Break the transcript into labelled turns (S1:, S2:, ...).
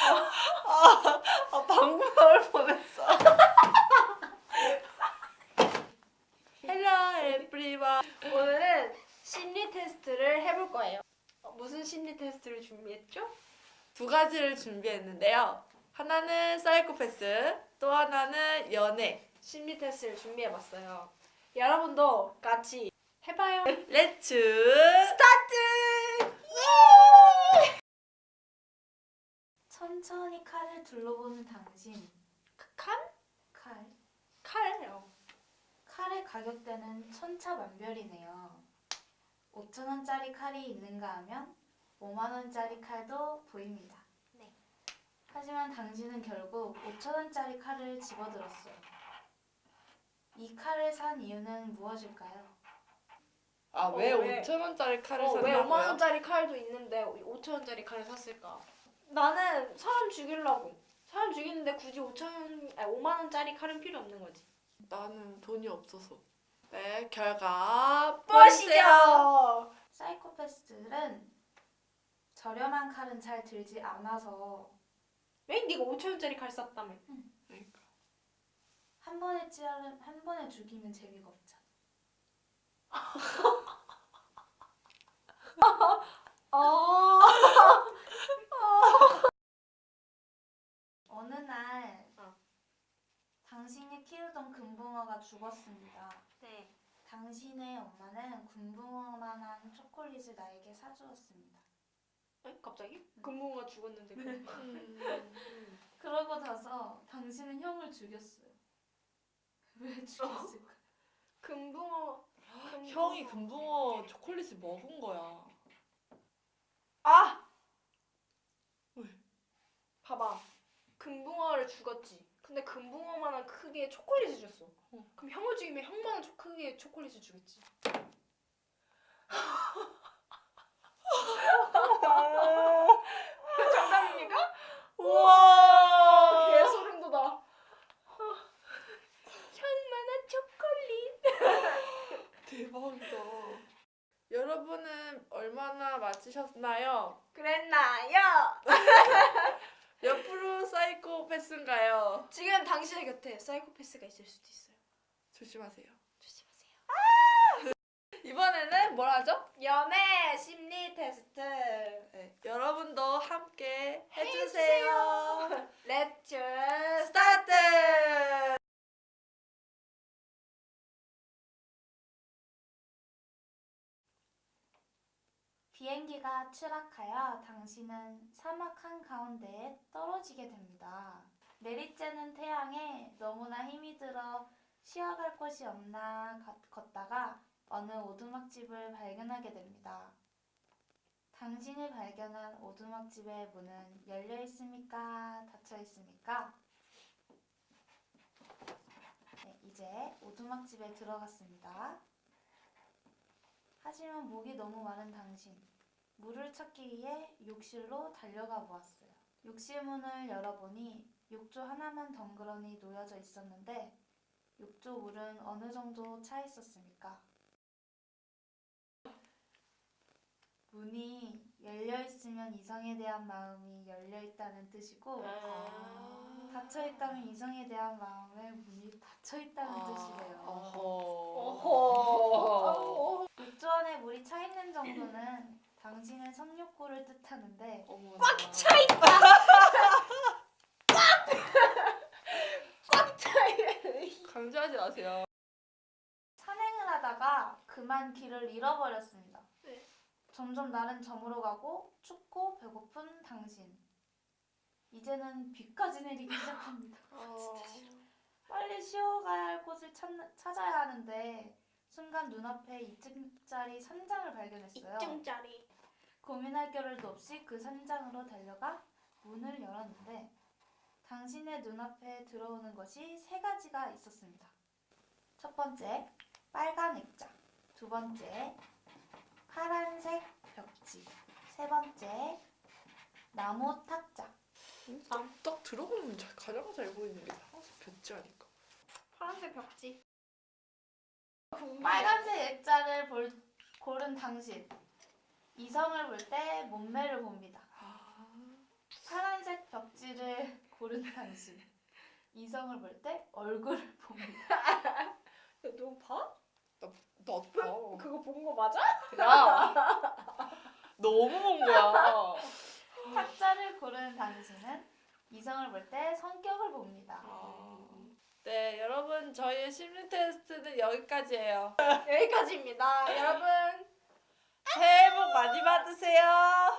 S1: 방금 나올 뻔했어. Hello everyone.
S2: 오늘은 심리 테스트를 해볼 거예요. 무슨 심리 테스트를 준비했죠?
S1: 두 가지를 준비했는데요. 하나는 사이코패스, 또 하나는 연애.
S2: 심리 테스트를 준비해봤어요. 여러분도 같이 해봐요.
S1: 렛츠
S2: 스타트!
S3: 천천히 칼을 둘러보는 당신.
S2: 칼?
S3: 칼.
S2: 칼이요.
S3: 칼의 가격대는 천차만별이네요. 5,000원짜리 칼이 있는가 하면 5만원짜리 칼도 보입니다.
S2: 네.
S3: 하지만 당신은 결국 5,000원짜리 칼을 집어들었어요. 이 칼을 산 이유는 무엇일까요?
S1: 왜
S2: 왜?
S1: 5,000원짜리 칼을
S2: 왜
S1: 샀나고요?
S2: 5만원짜리 칼도 있는데 5천원짜리 칼을 샀을까? 나는 사람 죽이려고. 사람 죽이는데 굳이 5만원짜리 칼은 필요 없는 거지.
S1: 나는 돈이 없어서. 네, 결과
S2: 보시죠.
S1: 보시죠.
S3: 사이코패스들은 저렴한 칼은 잘 들지 않아서
S2: 왜 네가 5천원짜리 칼 샀다며?
S1: 그러니까.
S3: 한 번에 죽이면 재미가 없잖아. 어느 날 당신이 키우던 금붕어가 죽었습니다.
S2: 네.
S3: 당신의 엄마는 금붕어만한 초콜릿을 나에게 사주었습니다.
S2: 에? 갑자기? 금붕어가 죽었는데.
S3: 그러고 나서 당신은 형을 죽였어요. 왜 죽였을까?
S2: 금붕어.
S1: 형이 금붕어 초콜릿을 먹은 거야.
S2: 아!
S1: 왜?
S2: 봐봐. 금붕어를 죽었지. 근데 금붕어만한 크기의 초콜릿을 줬어. 그럼 형을 죽이면 형만한 크기의 초콜릿을 주겠지. 정답입니까?
S1: 우와!
S2: 개소름 돋아. 형만한 초콜릿.
S1: 대박이다. 여러분은 얼마나 맞히셨나요?
S2: 그랬나요?
S1: 몇 프로 사이코패스인가요?
S2: 지금 당신의 곁에 사이코패스가 있을 수도 있어요.
S1: 조심하세요.
S2: 조심하세요.
S1: 이번에는 뭘 하죠?
S2: 연애 심리 테스트.
S1: 네, 여러분도 함께 해주세요.
S2: 렛츠
S1: 스타트!
S3: 비행기가 추락하여 당신은 사막 한가운데에 떨어지게 됩니다. 내리쬐는 태양에 너무나 힘이 들어 쉬어갈 곳이 없나 걷다가 어느 오두막집을 발견하게 됩니다. 당신이 발견한 오두막집의 문은 열려 있습니까? 닫혀 있습니까? 네, 이제 오두막집에 들어갔습니다. 하지만 목이 너무 마른 당신, 물을 찾기 위해 욕실로 달려가 보았어요. 욕실 문을 열어보니 욕조 하나만 덩그러니 놓여져 있었는데 욕조 물은 어느 정도 차 있었습니까? 문이 열려 있으면 이성에 대한 마음이 열려 있다는 뜻이고 닫혀 있다면 이성에 대한 마음의 문이 닫혀 있다는 뜻이래요.
S1: 어허.
S3: 욕조 안에 물이 차 있는 정도는 당신의 성욕구를 뜻하는데
S1: 꽉
S2: 차 있다. 꽉 차 있다.
S1: 강조하지 마세요.
S3: 산행을 하다가 그만 길을 잃어버렸습니다.
S2: 네.
S3: 점점 날은 저물어 가고 춥고 배고픈 당신. 이제는 비까지 내리기 시작합니다. 빨리 쉬어가야 할 곳을 찾아야 하는데 순간 눈앞에 2층짜리 산장을 발견했어요.
S2: 2층짜리.
S3: 고민할 겨를도 없이 그 산장으로 달려가 문을 열었는데 당신의 눈앞에 들어오는 것이 3가지가 있었습니다. 첫 번째, 빨간 액자. 두 번째, 파란색 벽지. 세 번째, 나무 탁자.
S1: 딱 들어보면 가장 잘 보이는 게 파란색 벽지 아닐까?
S2: 파란색 벽지.
S3: 빨간색 액자를 고른 당신. 이성을 볼 때 몸매를 봅니다. 파란색 벽지 당신. 이성을 볼 때 얼굴을 봅니다.
S2: 너 봐?
S1: 나도 봐.
S2: 그거 본 거 맞아?
S1: 야, 너무 본 거야.
S3: 탁자를 고르는 당신은 이성을 볼 때 성격을 봅니다.
S1: 네, 여러분 저희의 심리 테스트는 여기까지예요.
S2: 여기까지입니다. 여러분
S1: 새해 복 많이 받으세요.